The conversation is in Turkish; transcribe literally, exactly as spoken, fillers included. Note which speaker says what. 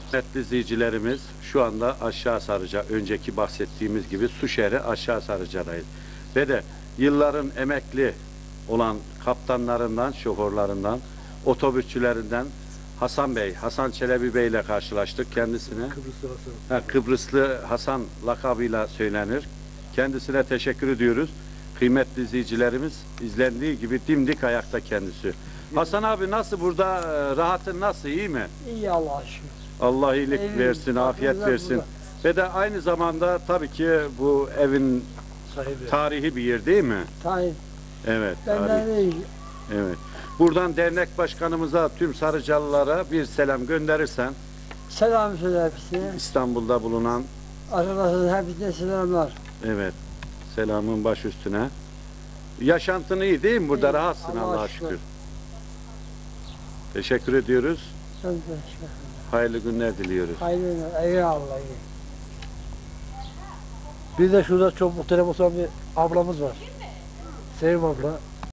Speaker 1: Kıymetli izleyicilerimiz, şu anda Aşağı Sarıca, önceki bahsettiğimiz gibi su şehri Aşağı Sarıca'dayız. Ve de yılların emekli olan kaptanlarından, şoförlerinden, otobüsçülerinden Hasan Bey, Hasan Çelebi Bey ile karşılaştık. Kendisine
Speaker 2: Kıbrıslı Hasan.
Speaker 1: ha, Kıbrıslı Hasan lakabıyla söylenir. Kendisine teşekkür ediyoruz. Kıymetli izleyicilerimiz, izlendiği gibi dimdik ayakta kendisi. Hasan abi nasıl burada, e, rahatın nasıl, iyi mi?
Speaker 3: İyi Allah'a şükür.
Speaker 1: Allah iyilik
Speaker 3: Evim,
Speaker 1: versin, afiyet
Speaker 3: bakımlar
Speaker 1: versin.
Speaker 3: burada.
Speaker 1: Ve de aynı zamanda tabii ki bu evin
Speaker 2: Sahibi.
Speaker 1: tarihi bir yer değil mi?
Speaker 3: Tayyip,
Speaker 1: Evet,
Speaker 3: benden
Speaker 1: tarih.
Speaker 3: iyi.
Speaker 1: Evet. Buradan dernek başkanımıza, tüm Sarıcalılara bir selam gönderirsen,
Speaker 3: Selam söyle hepsine.
Speaker 1: İstanbul'da bulunan,
Speaker 3: Arkadaşlar hepsine selamlar.
Speaker 1: evet, selamın baş üstüne. Yaşantın iyi değil mi? Burada
Speaker 3: İyi,
Speaker 1: rahatsın
Speaker 3: Allah'a
Speaker 1: Allah'a
Speaker 3: şükür.
Speaker 1: şükür. Teşekkür ediyoruz.
Speaker 3: Sen de teşekkür ederim.
Speaker 1: Hayırlı günler diliyoruz.
Speaker 3: Hayırlı günler. Eyvallah. iyi.
Speaker 2: Bir de şurada çok muhterem olan bir ablamız var. Sevim abla.